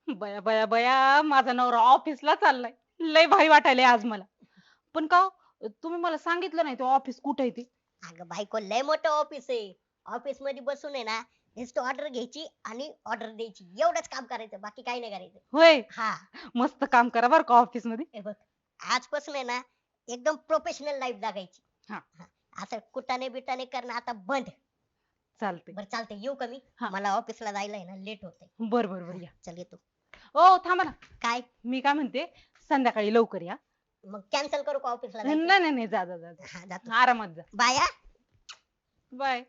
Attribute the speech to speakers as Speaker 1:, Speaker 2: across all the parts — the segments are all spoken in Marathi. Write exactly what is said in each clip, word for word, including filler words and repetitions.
Speaker 1: बया बया बया माझा नवरा ऑफिसला चाललाय. लय भारी वाटायलंय आज मला. पण का हो, तुम्ही मला सांगितलं नाही ते ऑफिस कुठे आहे ते?
Speaker 2: अगं बायको लय मोठं ऑफिस आहे. ऑफिस मध्ये बसून आहे ना नुसतं ऑर्डर घ्यायची आणि ऑर्डर द्यायची एवढंच काम करायचं बाकी काही नाही करायचं.
Speaker 1: होय.
Speaker 2: हा.
Speaker 1: मस्त काम करा बरं का ऑफिस मध्ये.
Speaker 2: हे बघ आजपासून आहे ना एकदम प्रोफेशनल लाईफ जगायची.
Speaker 1: हा.
Speaker 2: हा. असं कुटाने बिटाने करणं आता बंद.
Speaker 1: चालतंय.
Speaker 2: बरं चालतंय येऊ का मी?
Speaker 1: हा.
Speaker 2: मला ऑफिसला जायला आहे ना लेट होतंय.
Speaker 1: बर बर बर
Speaker 2: हा
Speaker 1: या.
Speaker 2: चल येतो.
Speaker 1: ओ थांबा ना.
Speaker 2: काय?
Speaker 1: मी काय म्हणते संध्याकाळी लवकर या.
Speaker 2: मग कॅन्सल करू का ऑफिसला
Speaker 1: नाही
Speaker 2: जायचं?
Speaker 1: नाही नाही जा जा जा
Speaker 2: हा जातो.
Speaker 1: जा. आरामात जा.
Speaker 2: बाय हा.
Speaker 1: बाय.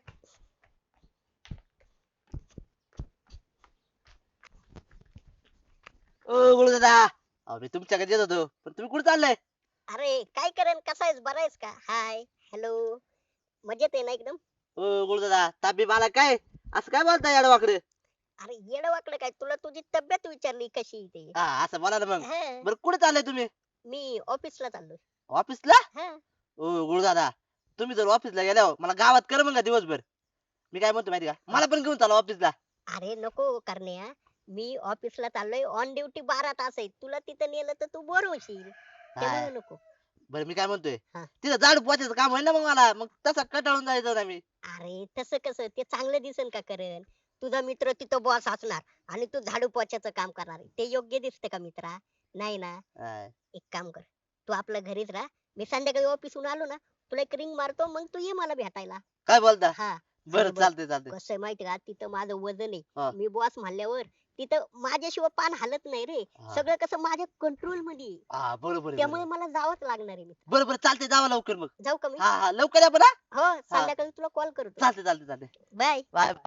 Speaker 3: ओ गुळू दादा, अहो मी तुमच्याकडे येत होतो पण तुम्ही कुठे चाललाय?
Speaker 2: अरे काय करेन कसा आहेस बरा आहेस का? हाय हॅलो मजेत आहे ना एकदम?
Speaker 3: ओ गुळू दादा, ताबी मला काय असं काय बोलताय याडवाकडे?
Speaker 2: अरे येडं वाकडं काय तुला तुझी तब्येत विचारली कशी आहे ते.
Speaker 3: हा असं बोला ना मग.
Speaker 2: हा,
Speaker 3: बरं कुठे चाललाय तुम्ही?
Speaker 2: मी ऑफिसला चाललोय.
Speaker 3: ऑफिसला?
Speaker 2: हा.
Speaker 3: ओ गुळू दादा, तुम्ही जर ऑफिसला गेल्यावर मला गावात कर मग दिवसभर. मी काय म्हणतो माहिती का, मला पण घेऊन चालू ऑफिसला.
Speaker 2: अरे नको करण्या मी ऑफिसला चाललोय ऑन ड्युटी बारा तास आहे तुला तिथं नेलं तर तू बोर होशील
Speaker 3: हा.
Speaker 2: त्यामुळे नको.
Speaker 3: बरं मी काय म्हणतोय,
Speaker 2: हा.
Speaker 3: तिथं झाडू पोछायचं काम होईल ना मग मला, मग तसा कटाळून जायचं ना मी.
Speaker 2: अरे तसं कसं ते चांगलं दिसन का करण तुझा मित्र तिथं बॉस असणार आणि तू झाडू पोछाचं काम करणार आहे. ते योग्य दिसतं का मित्रा? नाही ना.
Speaker 3: हा.
Speaker 2: एक काम कर तू आपल्या घरीच राहा मी संध्याकाळी ऑफिसहून आलो ना तुला एक रिंग मारतो मग तू ये मला भेटायला.
Speaker 3: काय बोलता?
Speaker 2: हा.
Speaker 3: बरं
Speaker 2: आणि बघ
Speaker 3: चालतंय चालतंय.
Speaker 2: कसं आहे माहिती का तिथं माझं वजन
Speaker 3: हा.
Speaker 2: आहे मी बॉस म्हणल्यावर तिथं माझ्याशिवाय पान हलत नाही रे.
Speaker 3: हा.
Speaker 2: सगळं कसं माझ्या कंट्रोल मध्ये आहे.
Speaker 3: हा बरोबर आहे,
Speaker 2: त्यामुळे
Speaker 3: बरोबर.
Speaker 2: मला जावंच लागणार आहे मित्र.
Speaker 3: बरं बरं चालतंय, जावा लवकर मग.
Speaker 2: जाऊ का मी?
Speaker 3: हा हा लवकर या पण हा.
Speaker 2: हो संध्याकाळी तुला कॉल करतो.
Speaker 3: चालतंय चालतंय चालतंय.
Speaker 2: बाय.
Speaker 3: Bye bye.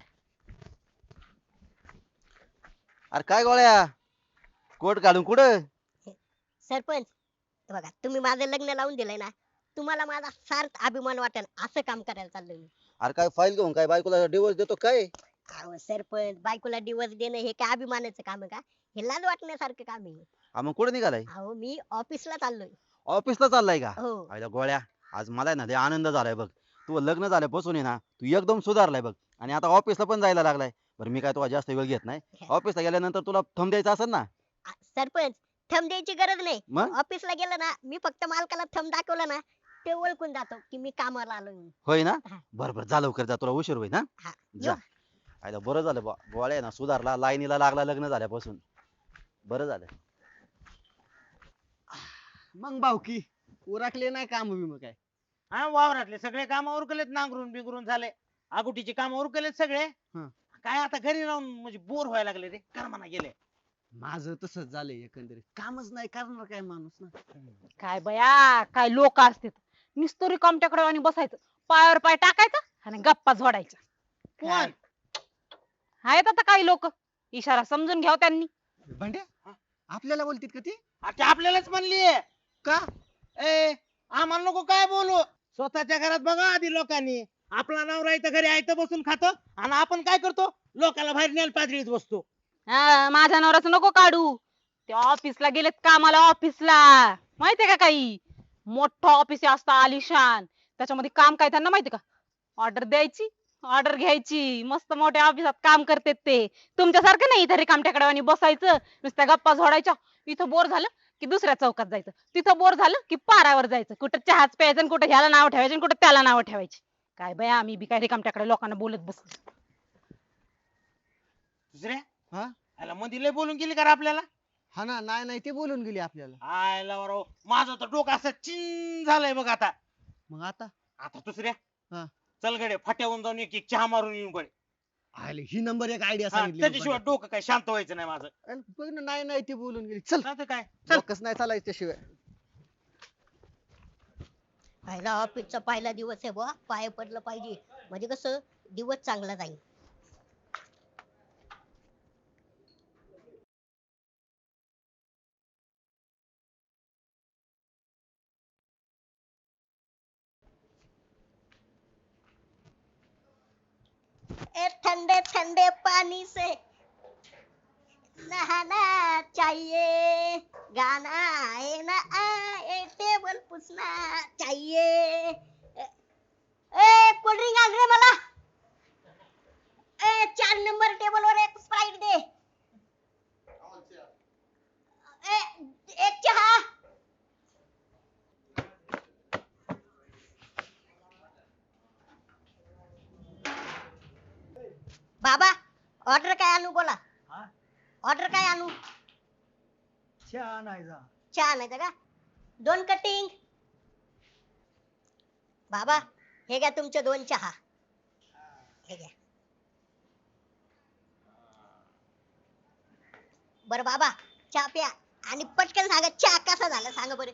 Speaker 4: अरे काय गोळ्या, कोट घालून कुठं?
Speaker 2: सरपंच हे बघा तुम्ही माझं लग्न लावून दिलंय ना तुम्हाला माझा सार्थ अभिमान वाटेल असं काम करायला चाललोय मी.
Speaker 4: अरे काय फाईल घेऊन काय बायकोला डिवोर्स देतो काय?
Speaker 2: अहो सरपंच बायकोला डिवोर्स देणं हे काय अभिमानाचं काम आहे का? हे लाज वाटण्यासारखं काम आहे.
Speaker 4: हा मग कुठं निघालाय?
Speaker 2: अहो मी ऑफिसला चाललोय.
Speaker 4: ऑफिसला चाललाय का?
Speaker 2: हो.
Speaker 4: आयला गोळ्या, आज मला आहे ना लय आनंद झालाय बघ. तू लग्न झाल्यापासून आहे ना तू एकदम सुधारलाय बघ, आणि आता ऑफिसला पण जायला लागलाय. बरं मी काय तुला जास्त वेळ घेत नाही. ऑफिसला गेल्यानंतर तुला थंब द्यायचा असेल ना,
Speaker 2: आ, सरपंच थंब द्यायची गरज नाही.
Speaker 4: मग
Speaker 2: ऑफिसला गेलं ना मी फक्त मालकाला थंब दाखवला ना ते ओळखून जातो की मी कामाला आलोय म्हणून.
Speaker 4: होय ना?
Speaker 2: हा.
Speaker 4: बरं बरं जा लवकर, जा तुला उशीर होईल. हा
Speaker 2: हा
Speaker 4: जा.
Speaker 2: येऊ?
Speaker 4: आयला बरं झालं बा, गोळ्या आहे ना सुधारला, लाईनीला लागला लग्न झाल्यापासून. बरं झालं.
Speaker 5: मग भाऊकी उरकले नाही काम मग काय?
Speaker 6: हा वावरातले सगळे काम उरकलेत नांगरून बिंगरून झाले आगुटीचे काम उरकलेत सगळे.
Speaker 5: हं.
Speaker 6: काय आता घरी राहून म्हणजे बोर व्हायला लागले रे करमाना गेले.
Speaker 5: माझं तसंच झालंय एकंदरीत कामच नाही करणार काय माणूस ना.
Speaker 1: काय बया काय लोक असतात. नुसतं रिकामट्याकडे आणि बसायचं. पायावर पाय टाकायचा आणि गप्पा झोडायच्या.
Speaker 6: कोण?
Speaker 1: आहेत आता काही लोक. इशारा समजून घ्याव त्यांनी.
Speaker 5: भांड्या आपल्याला बोलतीत का ती?
Speaker 6: आ, ते आपल्यालाच म्हणली
Speaker 5: का?
Speaker 6: ए आम्हाला नको काय बोलू स्वतःच्या घरात बघा आधी लोकांनी. आपला नवरा इथं घरी आयत बसून खातो आणि आपण काय करतो लोकांना बाहेर नेल पातळीत बसतो.
Speaker 1: हा, माझ्या नवऱ्याचं नको काढू. ते ऑफिसला गेलेत कामाला ऑफिसला. माहितीये का काही? मोठं ऑफिस असतं आलिशान. त्याच्यामध्ये काम काय त्यांना माहिती का? ऑर्डर द्यायची, ऑर्डर घ्यायची. मस्त मोठ्या ऑफिसात काम करतेत ते. तुमच्यासारखं नाही इथं रिकामट्याकडे आणि बसायचं नुसत्या गप्पा झोडायच्या. इथं बोर झालं की दुसऱ्या चौकात जायचं. तिथं बोर झालं की पारावर जायचं. कुठं चहाच प्यायचं आणि कुठं ह्याला नाव ठेवायचं आणि कुठं त्याला नाव ठेवायची. काय बया आम्ही बी काय रिकामट्याकडे लोकांना बोलत बसलो.
Speaker 6: दुसऱ्या
Speaker 5: हा
Speaker 6: आला मध्ये लय बोलून गेली का रे आपल्याला?
Speaker 5: हा ना, नाही नाही ते बोलून गेली आपल्याला.
Speaker 6: आयला बरं माझं तर डोकं असं चिन झालंय बघ आता.
Speaker 5: मग आता
Speaker 6: आता दुसऱ्या
Speaker 5: हा
Speaker 6: चल गडे फाट्यावरून जाऊन एक एक चहा मारून येऊन गडे.
Speaker 5: आले ही नंबर एक आयडिया
Speaker 6: हा,
Speaker 5: सांगितली
Speaker 6: त्याच्याशिवाय
Speaker 5: बघ.
Speaker 6: डोकं काय शांत व्हायचं नाही माझं.
Speaker 5: अरे बघ ना, नाही नाही ते बोलून गेली. चल
Speaker 6: नाही तर काय चल.
Speaker 5: डोकंच नाही चालायचं त्याशिवाय.
Speaker 2: पहिला ऑफिसचा पहिला दिवस आहे बुवा पाय पडलं पाहिजे म्हणजे कसं दिवस चांगला जाईल. ए ठंडे ठंडे पानी से नहाना चाहिए गाना आए ना आए टेबल पुसना चाहिए. ए कोल्ड ड्रिंक आण रे मला. ए चार नंबर टेबल वर एक स्प्राइट दे. बाबा ऑर्डर काय आणू बोला
Speaker 5: हा?
Speaker 2: ऑर्डर काय आणू
Speaker 5: चहा नाही जा
Speaker 2: चहा आणायचा का दोन कटिंग बाबा हे घ्या तुमचे दोन चहा हे घ्या बर बाबा चहा प्या आणि पटकन सांगा चहा कसा झाला सांगा बरं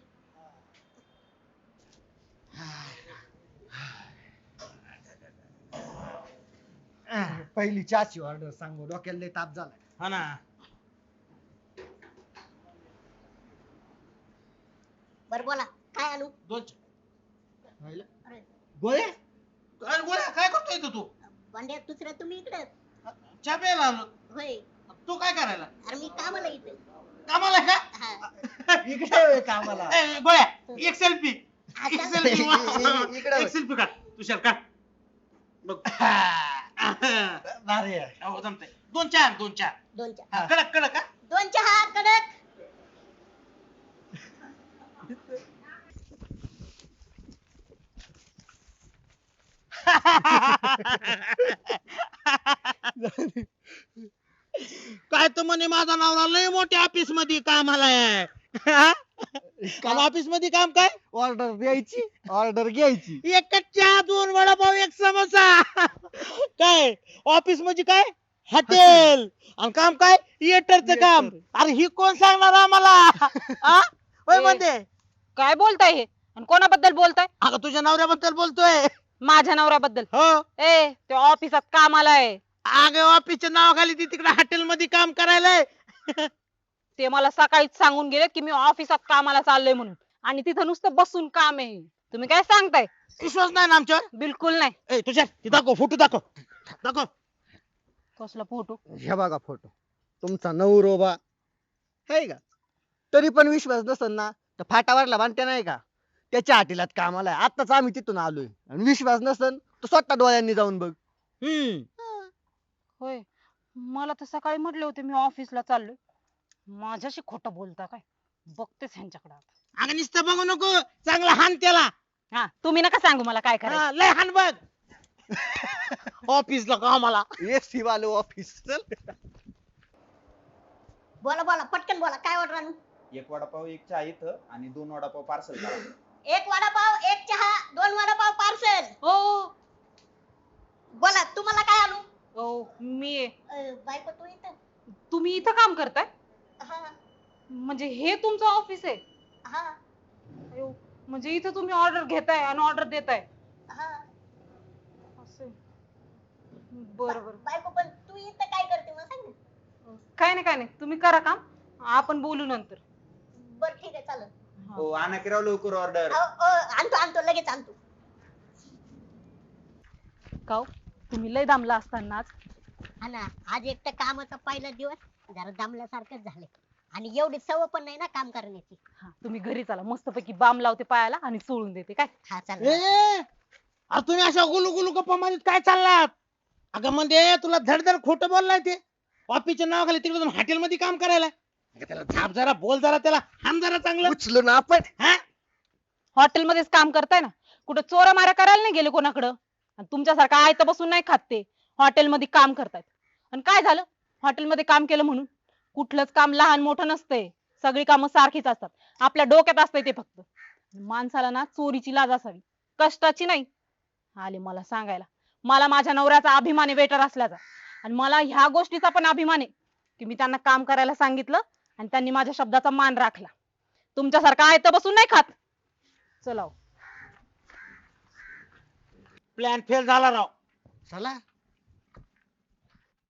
Speaker 5: पहिली चहाची ऑर्डर सांगू डोक्याला लय ताप झालाय
Speaker 6: हा ना
Speaker 2: बर बोला काय आणू
Speaker 6: दोन
Speaker 5: राहिलं?
Speaker 2: अरे,
Speaker 6: गोळ्या काय गोळ्या काय करतोय इथं तू
Speaker 2: भांड्या दुसऱ्या तुम्ही इकडे
Speaker 6: चहा प्यायला आलो
Speaker 2: होय
Speaker 6: तू काय करायला
Speaker 2: अरे मी कामाला इथे
Speaker 6: कामाला आहे
Speaker 2: हा
Speaker 5: इकडे ये कामाला
Speaker 6: का ए, गोळ्या एक सेल्फी एक
Speaker 2: आता
Speaker 6: सेल्फी
Speaker 5: इकडे
Speaker 6: एक सेल्फी काढ तुषार काढ बघ
Speaker 5: भारी आहे.
Speaker 6: हो जमतंय दोन चार दोन चार
Speaker 2: दोन चहा
Speaker 6: हा, कडक कडक हा
Speaker 2: दोन चहा कडक
Speaker 6: काय तर म्हणे माझा नवरा लय मोठ्या ऑफिस मध्ये कामाला आहे आणि ऑफिस मध्ये काम काय
Speaker 5: ऑर्डर द्यायची ऑर्डर घ्यायची
Speaker 6: एक चहा दोन वडापाव एक समोसा काय ऑफिस म्हणजे काय हॉटेल आणि काम काय थिएटरचं काम अरे ही कोण सांगणार आम्हाला आ? होय
Speaker 1: ए.
Speaker 6: म्हणते
Speaker 1: काय बोलताय हे आणि कोणाबद्दल बोलताय
Speaker 6: अगं तुझ्या नवऱ्याबद्दल बोलतोय
Speaker 1: माझ्या नवऱ्याबद्दल
Speaker 6: हो
Speaker 1: ए ते ऑफिसात कामाला आहे
Speaker 6: अगं ऑफिसच्या नावाखाली ती तिकडे हॉटेल मध्ये काम करायला
Speaker 1: ते मला सकाळीच सांगून गेले की मी ऑफिसात कामाला चाललोय म्हणून आणि तिथं नुसतं बसून काम आहे तुम्ही काय सांगताय
Speaker 6: विश्वास नाही ना आमच्यावर
Speaker 1: बिलकुल नाही
Speaker 6: ए तुझ्या ती दाखव फोटो दाखव दाखव
Speaker 1: कसला फोटो
Speaker 5: हे बघा फोटो तुमचा नवरोबा आहे का तरी पण विश्वास नसेल ना तर फाटावरला बांधते नाही का त्याच्या हाटीलात कामाला आहे आताच आम्ही तिथून आलोय आणि विश्वास नसेल तर स्वतः डोळ्यांनी जाऊन बघ
Speaker 6: हम्म
Speaker 1: होय मला तर सकाळी म्हटले होते मी ऑफिसला चाललोय माझ्याशी खोटं बोलता काय बघतेच ह्यांच्याकडे आता
Speaker 6: अगं नुसतं बघू नको चांगला हान त्याला
Speaker 1: हा तुम्ही नका सांगू मला काय करायचं
Speaker 6: हा, लय हान बघ ऑफिसला कामाला
Speaker 5: एसी वाले ऑफिस चल
Speaker 2: बोला बोला पटकन बोला काय ऑर्डर आणू
Speaker 7: एक वडापाव एक चहा इथं आणि दोन वडापाव पार्सल करा
Speaker 2: एक वडापाव एक चहा दोन वडापाव पार्सल
Speaker 1: हो
Speaker 2: बोला तुम्हाला काय आणू
Speaker 1: हो मी आहे.
Speaker 2: अं, बायको तू इथं
Speaker 1: तुम्ही इथं काम करताय
Speaker 2: हा
Speaker 1: म्हणजे हे तुमचं ऑफिस आहे
Speaker 2: हा
Speaker 1: अयो, म्हणजे इथं तुम्ही ऑर्डर घेताय आणि ऑर्डर देताय
Speaker 2: हा
Speaker 1: असं बरं बरं
Speaker 2: बायको पण तू इथं काय करते मला सांग ना
Speaker 1: काय नाही काय नाही तुम्ही करा काम आपण बोलू नंतर
Speaker 2: बर ठीक आहे चालेल
Speaker 1: हा.
Speaker 7: हो आणा की राव लवकर ऑर्डर
Speaker 2: अहो, अहो, आणतो आणतो लगेच आणतो
Speaker 1: काव तुम्ही लय दामला असताना आज
Speaker 2: हा ना आज एक तर कामाचा पहिला दिवस जरा दमल्यासारखंच झाले आणि एवढी सवय पण नाही ना काम करण्याची
Speaker 1: हा, तुम्ही घरी चला मस्तपैकी बाम लावते पायाला आणि सोडून देते काय
Speaker 2: हा
Speaker 6: ए
Speaker 2: चालेल
Speaker 6: अरे तुम्ही अशा गुलू गुलू गप्पा मारीत काय चाललात अगं म्हणजे तुला धडधड खोटं बोललाय ते ऑफिसच्या नावाखाली तिकडे जाऊन हॉटेल मध्ये काम करायला अगं त्याला झाप जरा बोल जरा त्याला हाम जरा चांगलं
Speaker 5: उचलो ना आपण
Speaker 6: हा
Speaker 1: हॉटेलमध्येच काम करताय ना कुठं चोऱ्या माऱ्या करायला नाही गेले कोणाकडं आणि तुमच्यासारखं आयतं बसून नाही खात ते हॉटेलमध्ये काम करतायत आणि काय झालं हॉटेलमध्ये काम केलं म्हणून कुठलंच काम लहान मोठं नसतंय सगळी कामं सारखीच असतात आपल्या डोक्यात असतंय ते फक्त माणसाला ना चोरीची लाज असावी कष्टाची नाही आले मला सांगायला मला माझ्या नवऱ्याचा अभिमान आहे वेटर असल्याचा आणि मला ह्या गोष्टीचा पण अभिमान आहे की मी त्यांना काम करायला सांगितलं आणि त्यांनी माझ्या शब्दाचा मान राखला तुमच्यासारखं आयतं बसून नाही खात चला हो.
Speaker 6: प्लॅन फेल झाला राव
Speaker 5: चला